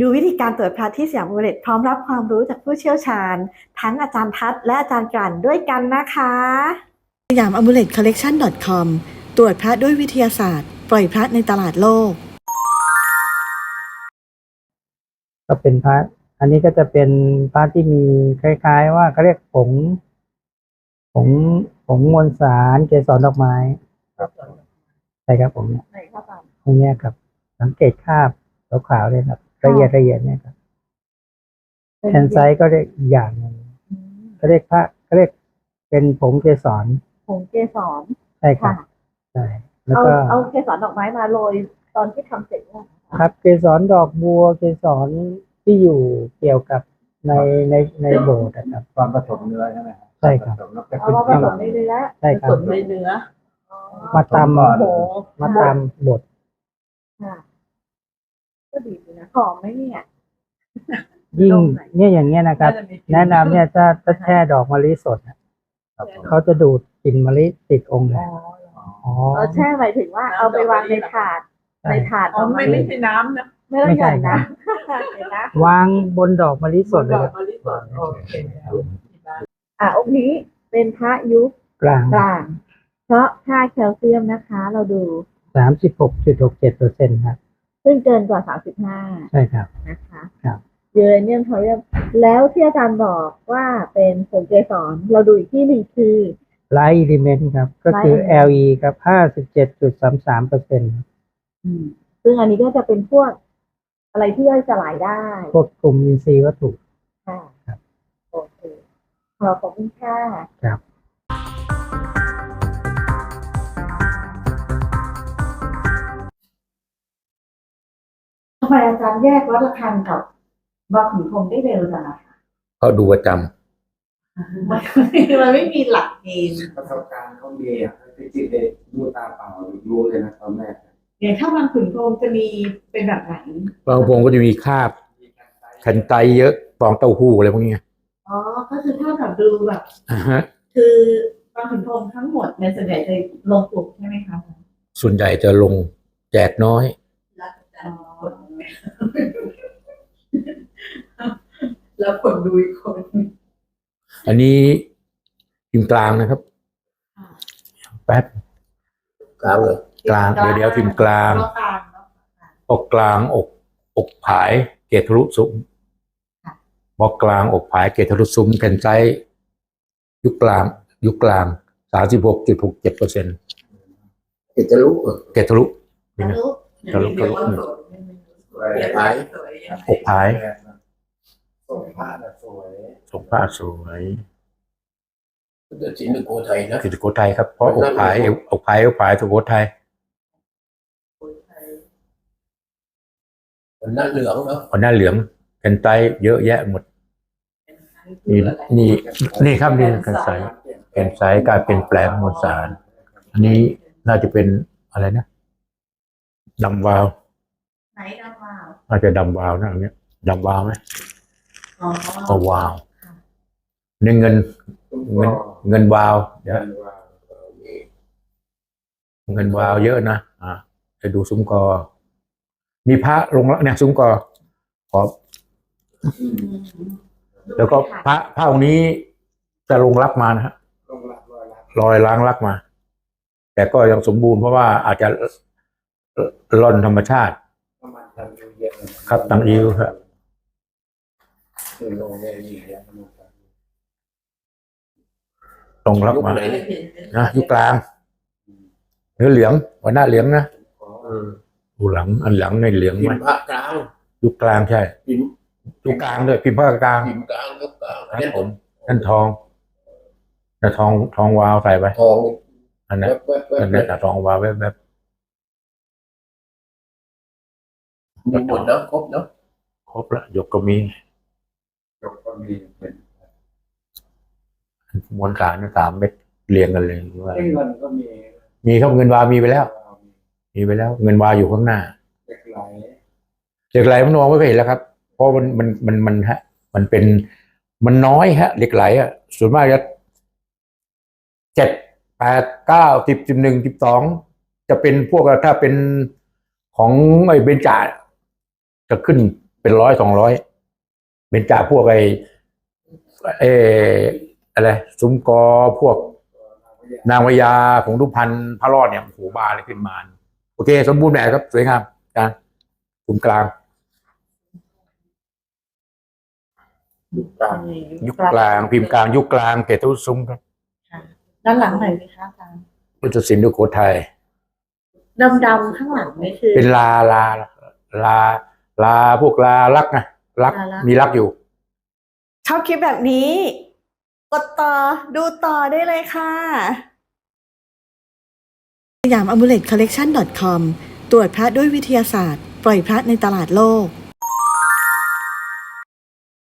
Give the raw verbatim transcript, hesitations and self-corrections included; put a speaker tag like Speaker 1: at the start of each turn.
Speaker 1: ดูวิธีการตรวจพระที่สยามอุเรตพร้อมรับความรู้จากผู้เชี่ยวชาญทั้งอาจารย์ทัศน์และอาจารย์กลั่นด้วยกันนะคะสยามอ m u l e t collection dot com ตรวจพระด้วยวิทยาศาสตร์ปล่อยพระในตลาดโลก
Speaker 2: ก็เป็นพระอันนี้ก็จะเป็นพระที่มีคล้ายๆว่าเขาเรียกผงผงผงมวลสารเกสรดอกไม้ใช่ครับผมเนี่ยตรงนี้ครับสังเกตคราบขาวๆเลยครับละเอียดละเอียดเนี่ยครับแอนไซต์ก็เรียกอีกอย่างหนึ่งเขาเรียกพระเขาเรียกเป็นผงเกสร
Speaker 1: ผงเกสร
Speaker 2: ใช่ครับใช่แล้วก็
Speaker 1: เอาเกสรดอกไม้มาโรยตอนที่ทำเสร็จ
Speaker 2: ครับเกสรดอกบัวเกสรที่อยู่เกี่ยวกับในในในโบสถ์นะครับ
Speaker 3: ตอนผสมเนื้อใช่ไหมครับ
Speaker 2: ใช่ครับ
Speaker 1: เอามาผสมในเนื้อ
Speaker 2: ใช่ครับ
Speaker 1: ผสมในเนื้อ
Speaker 2: มาตำมาตำบด
Speaker 1: ก็ดีนะหอมไหมเนี่ย
Speaker 2: ยิ่งเนี่ยอย่างเงี้ยนะครับแนะนำเนี่ยถ้าถ้าแช่ดอกมะลิสดเขาจะดูดกลิ่นมะลิติดองค์เลย
Speaker 1: อ๋อแช่หมายถึงว่าเอาไปวางในถาดในถาด
Speaker 4: อ๋อไม่ไม่ใช่น้ำนะ
Speaker 1: ไม่ต้องใส่นะ
Speaker 2: วางบนดอกมะลิสดเลย
Speaker 4: ดอกมะลิสดโอเค
Speaker 1: อ่ะองค์นี้เป็นพระยุค
Speaker 2: กลาง
Speaker 1: กลางเพราะค่าแคลเซียมนะคะเราดู
Speaker 2: สามสิบหกจุดหกเจ็ดเปอร์เซ็นต์ครับ
Speaker 1: ซึ่งเกินกว่าสามสิบห้า
Speaker 2: ใช่ครับ
Speaker 1: นะคะ
Speaker 2: ครับ
Speaker 1: เยอเนียมทอยแล้วที่อาจารย์บอกว่าเป็นผงเกสรเราดูอีกที่หนึ่งคือ
Speaker 2: ไลท์อิเลเมนต์ครับก็คือ แอล อี ครับห้าสิบเจ็ดจุดสามสามเปอร์เซ็นต์
Speaker 1: ซึ่งอันนี้ก็จะเป็นพวกอะไรที่ย่อยสลายได้
Speaker 2: พวกกลุ่มอินทรีย์วัตถุ
Speaker 1: ค่ะ
Speaker 2: ครับ
Speaker 1: โอเคขอบคุณค่ะ
Speaker 2: ครับ
Speaker 1: ทำไมอาจารย์แยกวัดระฆังกับบาขุนพรหมได้เร็วจังอะคะ
Speaker 3: เขาดูประจ
Speaker 1: ำมันมันไม่มีหลักเกณฑ์
Speaker 3: ประสบการณ์เขามีอ่ะที่จิตเลยดูตาเปล่ารู้เลยนะตอนแรก
Speaker 1: อย่างถ้าบางขุนพรหมจะมีเป็นแบบไหน
Speaker 3: บางพงก็จะมีคราบขันไตเยอะฟองเต้าหู้อะไรพวกนี้
Speaker 1: อ๋อก็คือถ้าแบบดูแบบ
Speaker 3: อ่าฮะ
Speaker 1: คือบางขุนพรหมทั้งหมดในส่วนใหญ่จะลงปลุกใช่ไหมคะ
Speaker 3: ส่วนใหญ่จะลงแจกน้อย
Speaker 4: แล้วคนดูอีกคน
Speaker 3: อันนี้พิมพ์กลางนะครับแป๊บกลางเลยกลางเดี๋ยวเดี๋ยวพิมพ์กลางอกกลางอกอกผายเกตทะลุซุ้มบอกกลางอกผายเกตทะลุซุ้มแผ่นไซส์ยุคกลางยุคกลางสามสิบหกจุดหกเจ็ดเปอร์เซ็นต์เกตทะลุเกตทะลุ
Speaker 1: ทะลุ
Speaker 3: ทะลุทะลุผายอกผาย
Speaker 5: ส่งผ้าสวย
Speaker 3: ส่งผ้าสวย
Speaker 5: สินสุโขทัยนะ
Speaker 3: สินสุโขทัยครับเพราะอกผายอกผายอกผายสุโขทัย
Speaker 5: คนหน้าเหลืองเนาะ
Speaker 3: คนหน้าเหลืองกันไตเยอะแยะหมดนี่นี่นี่ครับนี่กันไซกันไซการเป็นแปลงมวลสารอันนี้น่าจะเป็นอะไรนะดำวาว
Speaker 1: ไหนดำวาว
Speaker 3: น่าจะดำวาวนะอันนี้ดำวาวไหมก็วาวนี่เงินเงินเงินวาวเดี๋ยวเงินวาวเยอะนะอ่าจะดูซุ้มกอมีพระลงแล้วเนี่ยซุ้มกอขอบแล้วก็พระพระองค์นี้จะลงรักมานะฮะลอยล้างรักมา แต่ก็ยังสมบูรณ์เพราะว่าอาจจะล่อนธรรมชาติครับตังอิวครับตรงรับมานะยุคกลางเนื้อเหลืองวันหน้าเหลืองนะดูหลังอันหลังในเหลืองไหมยุคกลางใช่ยุคกลางด้วยพิมพ์ภาคกลางนั่นผมนั่นทองนั่นทองทองวาวใส่ไป
Speaker 5: ทอง
Speaker 3: อันนั้นอันนั้นทองวาวแบบแบบ
Speaker 5: มีหมดแล้วครบแล้ว
Speaker 3: ครบละยกก็มี
Speaker 5: ยกก็มีเป็น
Speaker 3: มวลสารสามเม็ดเรียงกันเลยว่า
Speaker 5: เงินก็มี
Speaker 3: มีครับเงินวามีไปแล้วมีไปแล้วเงินวาอยู่ข้างหน้า
Speaker 5: เหล็กไหล
Speaker 3: เหล็กไหลมันมองไม่เห็นแล้วครับเพราะมันมันมันมันฮะมันเป็นมันน้อยฮะเหล็กไหลอ่ะส่วนมากจะเจ็ดแปดเก้าสิบสิบหนึ่งสิบสองจะเป็นพวกถ้าเป็นของไอ้เบญจาจะขึ้นเป็นร้อยสองร้อยเป็นจากพวกไอ้เอออะไรซุ้มกอพวกนางพญาของทุพพรรณพระรอดเนี่ยโอ้โหบาเลยขึ้นมาโอเค สมบูรณ์แบบครับสวยงามอาจารย์กลุ่มกลาง
Speaker 5: ยุคกลาง
Speaker 3: ยุคกลางพิมพ์กลางยุคกลางเกตุซุ้มครับ
Speaker 1: ด้านหลังไหนอยไหมคะอาจารย์
Speaker 3: พุทธศิลป์สุโขทัย
Speaker 1: ดำๆข้างหลังนี่คือ
Speaker 3: เป็นลาลาลาลาพวกลาลักนะลัก
Speaker 1: ลาลัก
Speaker 3: มีลักอยู่
Speaker 1: ชอบคลิปแบบนี้ กดต่อดูต่อได้เลยค่ะสยาม อามูเลต คอลเลกชัน ดอท คอม ตรวจพระด้วยวิทยาศาสตร์ ปล่อยพระในตลาดโลก